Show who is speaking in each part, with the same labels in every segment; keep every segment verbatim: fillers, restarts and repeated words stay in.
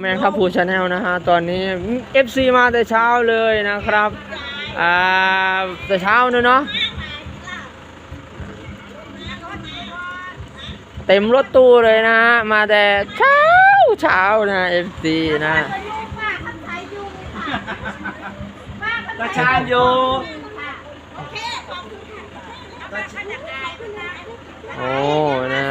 Speaker 1: แมงทับพูชาแนลนะฮะตอนนี้ เอฟ ซี มาแต่เช้าเลยนะครับอ่าแต่เช้าเนอะเนาะเต็มรถตู้เลยนะฮะมาแต่เช้าเช้านะ เอฟ ซี นะ
Speaker 2: ประชาโย
Speaker 1: โอ้นะ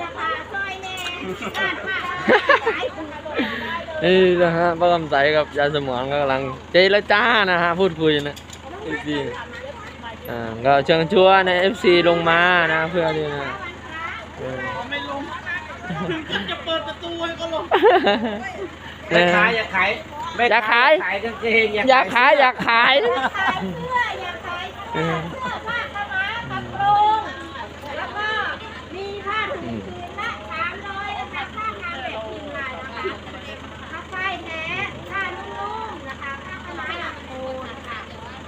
Speaker 1: นี่นะฮะป้าคำใสกับยายสมรก็กำลังเจรจานะฮะพูดคุยนะ เอฟ ซี อ่าก็เชิญชวนใน เอฟ ซี ลงมานะเพื่อที่นะ
Speaker 2: ไม่ลงถึงจะเปิดประตูให้ก็ลงอยากขายอยากขาย
Speaker 1: อยากขาย
Speaker 2: ขายกางเกง
Speaker 1: อยากขายอยากขาย
Speaker 3: อยากขายเสื้ออยากขายเสื้อผ้าขม้ากระโปรงแล้วก็มีผ้าถุงผืนละสามร้อยนะคะผ้าทางแบบพิมพ์ลายนะคะผ้าฝ้ายแท้ผ้านุ่มๆนะคะผ้าขม้าหลังโคนนะคะ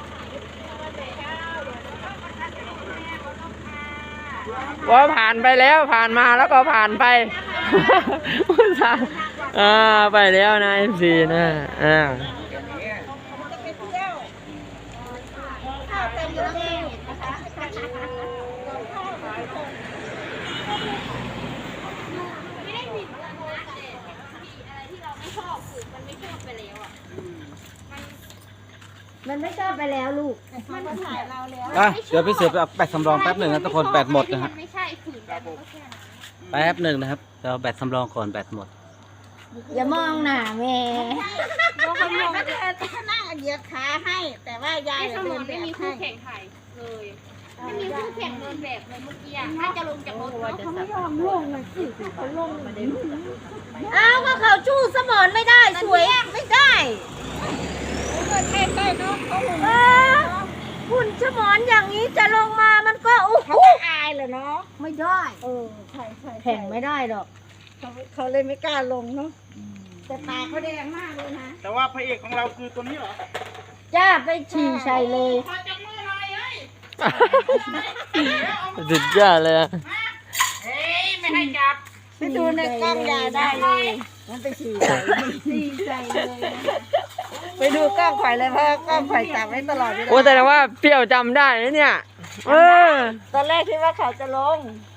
Speaker 1: ว่าผ่านไปแล้วผ่านมาแล้วก็ผ่านไปอ่าไปแล้วนะ เอฟ ซี นะอ่า
Speaker 3: มันไม่ชอบไปแล้วลูกมันมาถ่ายเราแล้ว
Speaker 2: อ่ะเดี๋ยวพี่เสือไปเอาแบตสำรองแป๊บหนึ่งนะทุกคนแบตหมดนะฮะ
Speaker 3: ไม่ใช่ฝืนแบบก็แค่นั้น
Speaker 2: แป๊บหนึ่งนะครับเราแบตสำรองก่อนแบตหมด
Speaker 3: อย่ามองหน้าแม่มองคนมองก็จะนั่งเหยียดขาให้แต่ว่ายายเดินไม่มีคู่แข่งถ่ายเลยไม่มีคู่แข่งเดินแบบเลยเมื่อกี้ถ้าจะลงจากรถเขาไม่ยอมลงเลยสิเขาลงอ้าวก็เขาชู้สมอนไม่ได้สวยไม่ได้ใกล้ๆน้องเขาหุ่นสมอนอย่างนี้จะลงมามันก็โอ้โหอายเลยเนาะไม่ได้เออใช่ใช่แข่งไม่ได้หรอกเขาเขาเลยไม่กล้าลงเนาะแต่ตาเขาแดงมากเลยนะ
Speaker 2: แต่ว่าพระเอกของเราคือตัวนี้เหรอ
Speaker 3: จ้าไปฉี่ใส่เลย
Speaker 2: ขอจับมือหน่อยเฮ้ย
Speaker 1: สุดยอดเลย
Speaker 2: เฮ้ยไม่ให้จับ
Speaker 3: ไปดูในกล้องยาได้เลยมันไปฉี่ใส่ฉี่ใส่เลยไปดูกล้องไข่เลยเพราะกล้องไข่จับไว้ตลอดเวลา
Speaker 1: โอ้แต่ว่าเปรี้ยวจำได้นะเนี่ยเออ
Speaker 3: ตอนแรกคิดว่าเขาจะลง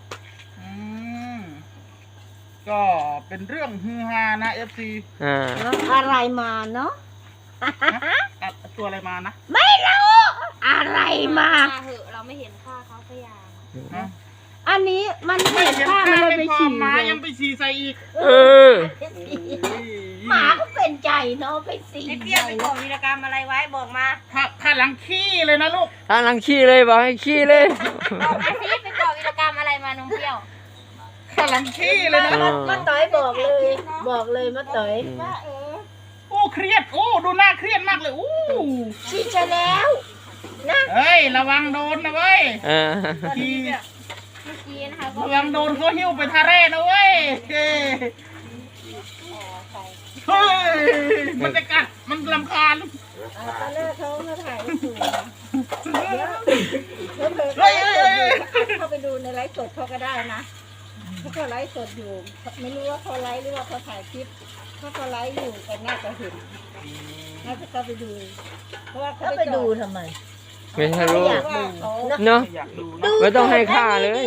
Speaker 2: ก็เป็นเรื่องฮือฮานะ เอฟ ซี
Speaker 1: อ่า
Speaker 3: อะไรมาเนาะ
Speaker 2: ตัวอะไรมานะ
Speaker 3: ไม่รู้อะไรมา
Speaker 4: เหอะเราไม่เห็นค่าเขาพยายาม
Speaker 3: อันนี้มันเห็นค่ามันเลยไปฉี่
Speaker 2: หมายังไปฉี่ใส่อีก
Speaker 1: เออ
Speaker 3: หมาก็เป็นใจเนาะไปฉี่
Speaker 4: ไอ้เปี้ยไปก่อวีรกรรมอะไรไว้บอกมา
Speaker 2: ถ้าถ้าหลังขี้เลยนะลูก
Speaker 1: ถ้าหลังขี้เลยบอกให้ขี้เลย
Speaker 4: บอกมาสิไปก่อวีรกรรมอะไรมานมเปี้ยว
Speaker 2: ถ้าหลังขี้เลยนะ
Speaker 3: มาต่อยบอกเลยบอกเลยมาต่อย
Speaker 2: โอ้เครียดโอ้ดูหน้าเครียดมากเลยโอ้
Speaker 3: ฉี่จะแล้วนะ
Speaker 2: เฮ้ยระวังโดนนะเว้ย
Speaker 4: ทีเมื่อกี้นะคะ
Speaker 2: ระวังโดนเขาหิ้วไปทาเร่นะเว้ยเฮ้ยมันจะกัดมันรำคาญ
Speaker 3: ตอนแรกเขามาถ่ายสูง
Speaker 2: เฮ้ย
Speaker 3: เข้าไปดูในไลฟ์สดเขาก็ได้นะถ้าเขาไลฟ์สดอยู่ไม่รู้ว่าเขาไลฟ์หรือว่าเขาถ่ายคลิปถ้าเขาไลฟ์อยู่ก็น่าจะเห็นน่าจะเข้าไปดูเพราะว่าเขาไปดูทำไม
Speaker 1: ไม่ใช่รู้เนาะไม่ต้องให้ค่าเลย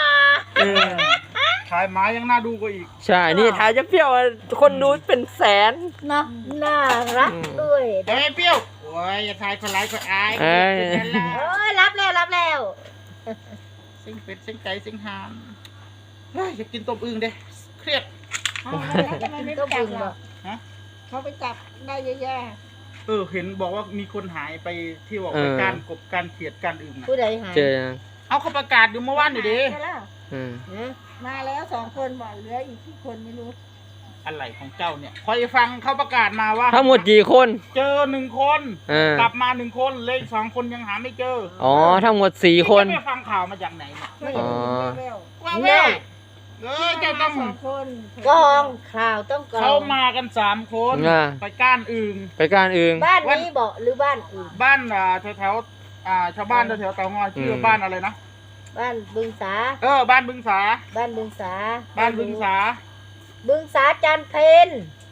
Speaker 2: ถ่ายหมายังน่าดูกว่าอีก
Speaker 1: ใช่นี่ถ่ายจะเปรี้ยวคนดูเป็นแสน
Speaker 3: เนาะน่ารักด้วย
Speaker 2: เฮ้ยเปรี้ยวโอ้ยอย่าถ่ายคนไลฟ์คนอาย
Speaker 1: เอ้ย
Speaker 3: รับแล้วรับแล้ว
Speaker 2: ซิงเป็ดซิงไก่ซิงหานอยากกินต้มอึ่งเด้เครียด
Speaker 3: ต้มอึ่งเหรอเขาไปจับได้เยอะแยะ
Speaker 2: เออเห็นบอกว่ามีคนหายไปที่บอกไปการกบการเขียดการอึ่ง
Speaker 3: ผู้ใดหาย
Speaker 1: เจอ
Speaker 2: เอาเขาประกาศอยู่เมื่อวานอยู่ดิ
Speaker 3: มาแล้วสองคนบอกเหลืออีกที่คนไม่รู้
Speaker 2: อะไรของเจ้าเนี่ยคอยฟังเขาประกาศมาว่า
Speaker 1: ทั้งหมดกี่คน
Speaker 2: เจอหนึ่งคนกลับมาหนึ่งคนเลยสองคนยังหาไม่เจอ
Speaker 1: อ๋อทั้งหมดสี่คน
Speaker 2: ไม่ฟังข่าวมาจากไหน
Speaker 3: อ๋อ
Speaker 2: ว่าแววเออเจ้าต้อง
Speaker 3: กองข่าวต้องกอง
Speaker 2: เขามากันสามคนไปก้านอึ่ง
Speaker 1: ไปก้านอึ่ง
Speaker 3: บ้านนี้บอกหรือบ้านอื่น
Speaker 2: บ้านอ่าแถวแถวอ่าชาวบ้านแถวเตางอยชื่อบ้านอะไรนะ
Speaker 3: บ้านบึงสา
Speaker 2: เออบ้านบึงสา
Speaker 3: บ้านบึงสา
Speaker 2: บ้านบึงสา
Speaker 3: บึงสาจันเพน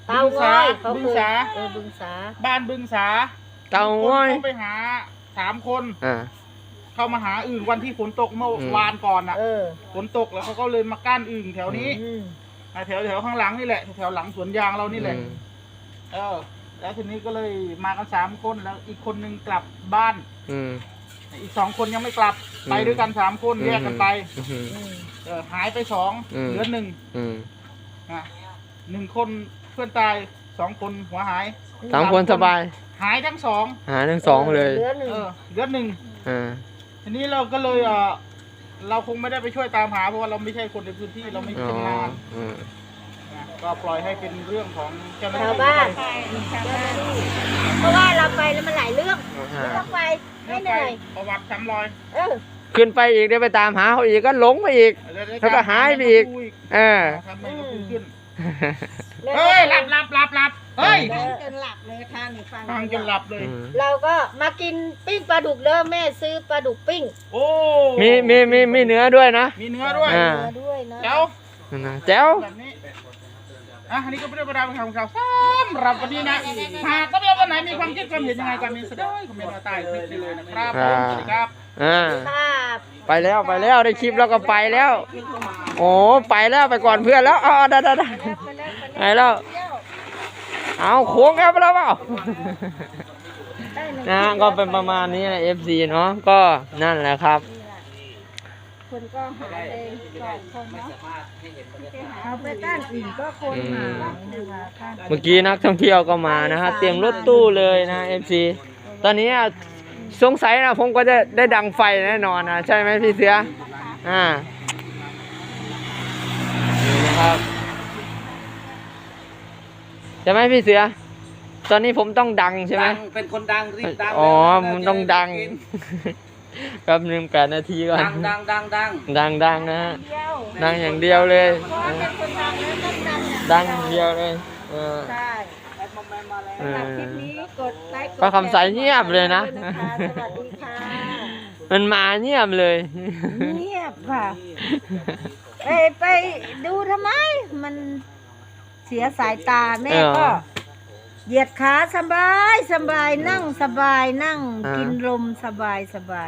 Speaker 3: เตาง้อยเขา
Speaker 2: บึง
Speaker 3: เคย
Speaker 2: สา
Speaker 3: เออบึงสา
Speaker 2: บ้านบึงสา
Speaker 1: เตาง้อย
Speaker 2: มีคนเข้าไปหาสามคน
Speaker 1: อ่า
Speaker 2: เข้ามาหาอึ่งวันที่ฝนตกเมื่อ
Speaker 1: อืม
Speaker 2: วานก่อนอ่ะ
Speaker 3: เออ
Speaker 2: ฝนตกแล้วเขาก็เลยมาก้านอึ่งแถวนี้
Speaker 3: อืม
Speaker 2: อ่ะแถวแถวข้างหลังนี่แหละแถวหลังสวนยางเรานี่แหละ
Speaker 1: อืม
Speaker 2: เออ แล้วทีนี้ก็เลยมากันสามคนแล้วอีกคนนึงกลับบ้าน
Speaker 1: อืม
Speaker 2: อีกสองคนยังไม่กลับ
Speaker 1: อืม
Speaker 2: ไปด้วยกันสามคนแยกกันไป
Speaker 1: อืม
Speaker 3: อืม
Speaker 2: เออหายไปสอง
Speaker 1: อืม
Speaker 2: เหลือหนึ่ง
Speaker 1: อืม
Speaker 2: อ่ะหนึ่งคนเพื่อนตายสองคนหัวหาย
Speaker 1: สามคนสบาย
Speaker 2: หายทั้งสอง
Speaker 1: หาทั้งสองเลย
Speaker 3: เหลือหนึ่ง
Speaker 2: เออเหลือหนึ่ง
Speaker 1: อ่า
Speaker 2: ทีนี้เราก็เลยเออเราคงไม่ได้ไปช่วยตามหาเพราะว่าเราไม่ใช่คนในพื้นที่เราไม่
Speaker 1: อ๋อ
Speaker 2: ชำนาญ
Speaker 1: อืม
Speaker 2: นะก็ปล่อยให้เป็นเรื่องของเจ้าหน้า
Speaker 3: ชาว
Speaker 2: ที่
Speaker 3: บ้าน
Speaker 4: ใช่ชาว
Speaker 3: เจ้าห
Speaker 4: บ้า
Speaker 3: น้าน ที่เพราะว่าเราไปแล้วมันหลายเรื่อง
Speaker 1: อ่า
Speaker 3: ไม่ต้องไปไม่
Speaker 2: เรื่อง
Speaker 3: เหนื่อย
Speaker 2: ประวัติซ้ำรอย
Speaker 3: เออ
Speaker 1: ขึ้นไปอีกเดี๋ยวไปตามหาเขาอีกก็หลงไปอีก แล้วก็หายไปอีก เออ
Speaker 2: ทำไมก็พูดขึ้น
Speaker 3: แล้ว
Speaker 2: เฮ้ยหลับหลับหลับหลับเฮ้ย
Speaker 3: ฟังจนหลับเลยค่ะนี่ฟัง
Speaker 2: ฟังจนหลับเลย
Speaker 3: เราก็มากินปิ้งปลาดุกเด้อแม่ซื้อปลาดุกปิ้ง
Speaker 2: โอ้
Speaker 1: มีมีมีมีเนื้อด้วยนะ
Speaker 2: มีเนื้อด้วย
Speaker 1: อ่า
Speaker 3: เนื้อด้วยนะ
Speaker 2: เจ้า
Speaker 1: นั่นนะแจ๋ว
Speaker 2: แบบนี้อ่ะอันนี้ก็เป็นเรื่องราวของเราซ้ำหรับวันนี้นะหากก็ไม่ว่าวันไหนมีความคิดความเห็นยังไงกันมีแสดงคอมเมนต์มาใต้คลิปนี้เลยนะครับผมสวัสดีครับ
Speaker 1: อ่า
Speaker 3: ค่ะ
Speaker 1: ไปแล้วไปแล้วได้คลิปแล้วก็ไปแล้ว โอ้ไปแล้วไปก่อนเพื่อนแล้วเอาได้ได้ได้ไปแล้วเอาโค้งครับไปแล้วเปล่านะก็เป็นประมาณนี้นะ เอฟ ซี เนาะก็นั่นแหละครับ
Speaker 3: คนก็หาเลยสองคนเนาะเอาไปก้านอื่นก็คนหานะคะก้าน
Speaker 1: เมื่อกี้นักท่องเที่ยวก็มานะฮะเตรียมรถตู้เลยนะ เอฟ ซี ตอนนี้สงสัยนะผมก็จะได้ดังไฟแน่นอนนะใช่ไหมพี่เสืออ่านี่นะครับใช่ไหมพี่เสือ ตอนนี้ผมต้องดังใช่ไหม
Speaker 2: ดังเป็นคนดังรีบดัง
Speaker 1: อ๋อมันต้องดังแป๊บหนึงแปดนาทีก่อน
Speaker 2: ดังดังดังดัง
Speaker 1: ดังดังนะฮะ
Speaker 3: เดียว
Speaker 1: ดังอย่างเดียวเลย
Speaker 3: เพราะว่าเป็นคนดังแล้วต้องดัง
Speaker 1: ดังอย่างเดียวเลยเออ
Speaker 3: ใช่
Speaker 1: เอ
Speaker 3: สำหรับ
Speaker 1: อ
Speaker 3: คลิปนี้กดไลค์กด
Speaker 1: ป้าคำใสเงียบเลยนะ
Speaker 3: สวัสดีค่ะ
Speaker 1: มันมาเงียบเลย
Speaker 3: เงียบค่ะไปไปดูทำไม มันเสียสายตาแม่
Speaker 1: เออ
Speaker 3: ก็เหยียดขาสบายสบายนั่งสบายนั่ง
Speaker 1: อ่ากิ
Speaker 3: กินลมสบายสบาย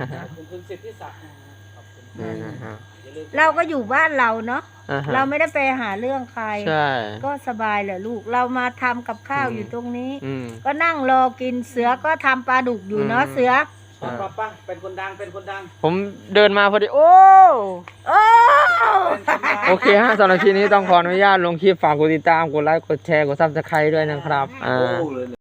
Speaker 1: นี่นะฮะ
Speaker 3: เราก็อยู่บ้านเราเนาะ
Speaker 1: อ่าฮะ
Speaker 3: เราไม่ได้ไปหาเรื่องใคร
Speaker 1: ใช่
Speaker 3: ก็สบายแหละลูก เรามาทำกับข้าว
Speaker 1: อืม
Speaker 3: อยู่ตรงนี้
Speaker 1: อืม
Speaker 3: ก็นั่งรอกินเสือก็ทำปลาดุกอยู่เนาะ
Speaker 1: อืม
Speaker 3: เสือ
Speaker 1: ใช่
Speaker 2: ป้าป้าเป็นคนดังเป็นคนดัง
Speaker 1: ผมเดินมาพอดี โอ้
Speaker 3: โอ้
Speaker 1: โอเคฮะสำหรับคลิปนี้ต้องขออนุญาตลงคลิปฝากกดติดตาม กดไลค์ กดแชร์ กดซับสไครต์ด้วยนะครับ อ่า